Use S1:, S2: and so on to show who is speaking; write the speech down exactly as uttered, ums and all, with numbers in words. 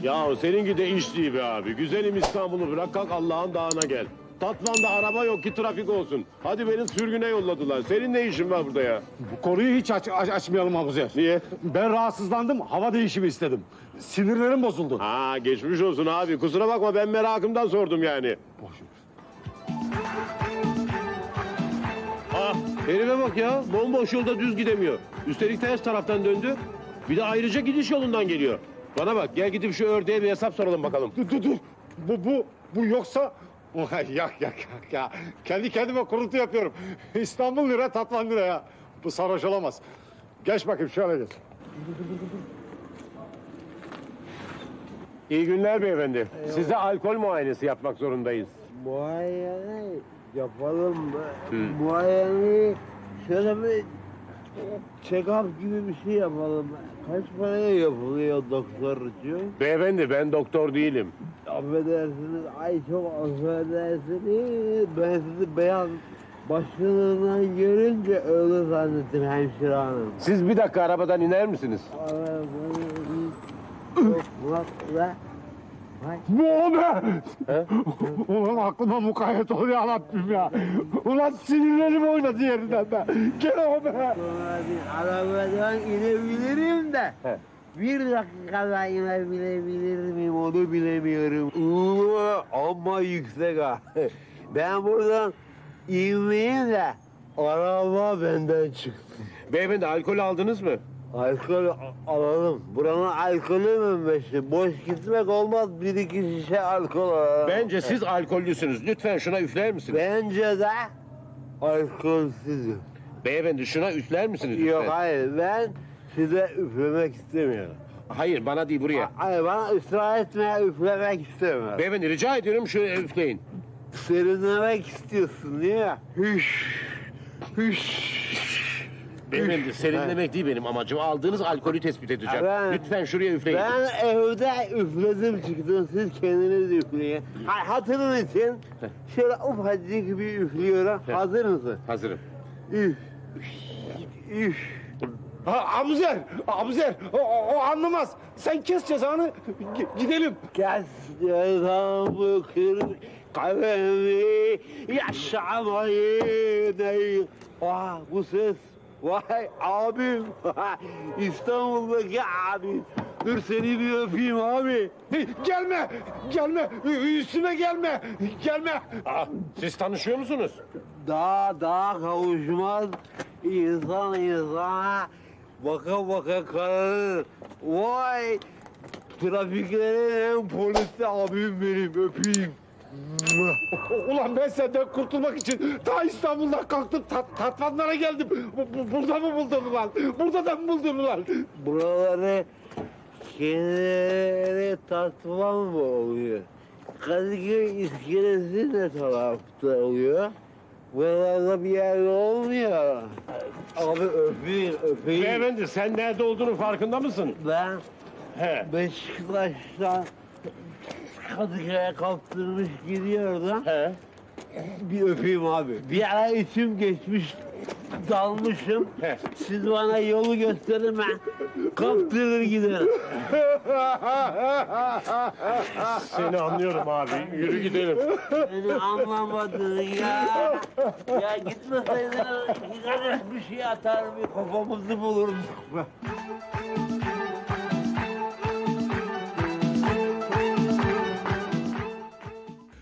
S1: Ya seninki de iş değil be abi. Güzelim İstanbul'u bırak kalk Allah'ın dağına gel. Tatvan'da araba yok ki trafik olsun. Hadi beni sürgüne yolladılar. Senin ne işin var burada ya?
S2: Bu konuyu hiç aç, aç- açmayalım Abuzer.
S1: Niye?
S2: Ben rahatsızlandım, hava değişimi istedim. Sinirlerim bozuldu.
S1: Ha geçmiş olsun abi. Kusura bakma ben merakımdan sordum yani.
S2: Boş ver.
S1: Ah herife bak ya. Bomboş yolda düz gidemiyor. Üstelik ters taraftan döndü. Bir de ayrıca gidiş yolundan geliyor. Bana bak gel gidip şu ördeğe bir hesap soralım bakalım.
S2: Dur dur dur. Bu, bu, bu yoksa... Vay, yak yak yak ya. Kendi kendime kuruntu yapıyorum. İstanbul lira, Tatvan lira ya. Bu sarhoş olamaz. Geç bakayım şöyle geç.
S1: İyi günler beyefendi. Size alkol muayenesi yapmak zorundayız.
S3: Muayene yapalım mı? Muayene şöyle bir check-up gibi bir şey yapalım. Kaç paraya yapılıyor doktorcuğum?
S1: Beyefendi ben doktor değilim.
S3: Affedersiniz, ay çok affedersiniz. Ben sizi beyaz başlığından görünce öyle zannettim hemşire hanım.
S1: Siz bir dakika arabadan iner misiniz?
S3: Çok mutlu.
S2: Bu o be!
S1: He?
S2: Ulan aklıma mukayyet ol ya Rabbim ya. Ulan sinirlerim oynadı yerinden be. Gel o be!
S3: Sonra bir arabadan inebilirim de.
S1: He.
S3: Bir dakikada inebilebilir miyim onu bilemiyorum. Uuu ama yüksek ha. Ben buradan inmeyeyim de araba benden çıksın.
S1: Beyefendi alkol aldınız mı?
S3: Alkol a- alalım. Buranın alkolü mü meşhur? Boş gitmek olmaz. Bir iki şişe alkol alalım.
S1: Bence siz alkollüsünüz. Lütfen şuna üfler misiniz?
S3: Bence de alkolsüzüm.
S1: Beyefendi şuna üfler misiniz lütfen?
S3: Yok hayır, ben size üflemek istemiyorum.
S1: Hayır bana değil buraya.
S3: Hayır, bana ısrar etmeye üflemek istemiyorum.
S1: Beyefendi rica ediyorum şöyle üfleyin.
S3: Serinlemek istiyorsun değil mi? Hüş, hüş.
S1: Beyefendi serinlemek değil benim amacım. Aldığınız alkolü tespit edeceğim.
S3: Ben-
S1: Lütfen şuraya üfleyin.
S3: Ben evde üfledim çıktım, siz kendiniz üfleyin. Ha, hatırın için şöyle ufacık bir üflüyorum.
S1: Heh.
S3: Hazır mısın?
S1: Hazırım.
S3: Üf, üf.
S2: Ha, Abuzer! Abuzer! O, o, o anlamaz. Sen kes cezanı. G- gidelim.
S3: Kes cezamı kır kalemi yaşamayı değil. Ah bu ses. Vay abim. İstanbul'daki abim. Dur seni bir öpeyim abi.
S2: Hey, gelme! Gelme! Ü- Üstüme gelme! Gelme!
S1: Aa, siz tanışıyor musunuz?
S3: Daha daha kavuşmaz insan insana baka baka kararır. Vay trafiklerin en polisi abim benim öpeyim.
S2: Ulan ben senden kurtulmak için ta İstanbul'dan kalktım, tat, Tatvanlara geldim. Bu, bu- burada mı buldun ulan? Burada da mı buldun ulan?
S3: Buraları kendileri tatvan mı oluyor? Kadıköy iskelesi ne tarafta oluyor? Buralarda bir yerde olmuyor. Abi öpeyim, öpeyim.
S1: Beyefendi sen nerede olduğunu farkında mısın?
S3: Ben
S1: He.
S3: Beşiktaş'tan Kadıköy'e kaptırmış gidiyordum.
S1: He.
S3: Bir öpeyim abi. Bir ara içim geçmiş, dalmışım.
S1: He.
S3: Siz bana yolu gösterin, ben kaptırır giderim.
S1: Seni anlıyorum abi. Yürü gidelim.
S3: Beni anlamadın ya. Ya gitmeseydin, bir şey atar bir kafamızı bulurduk.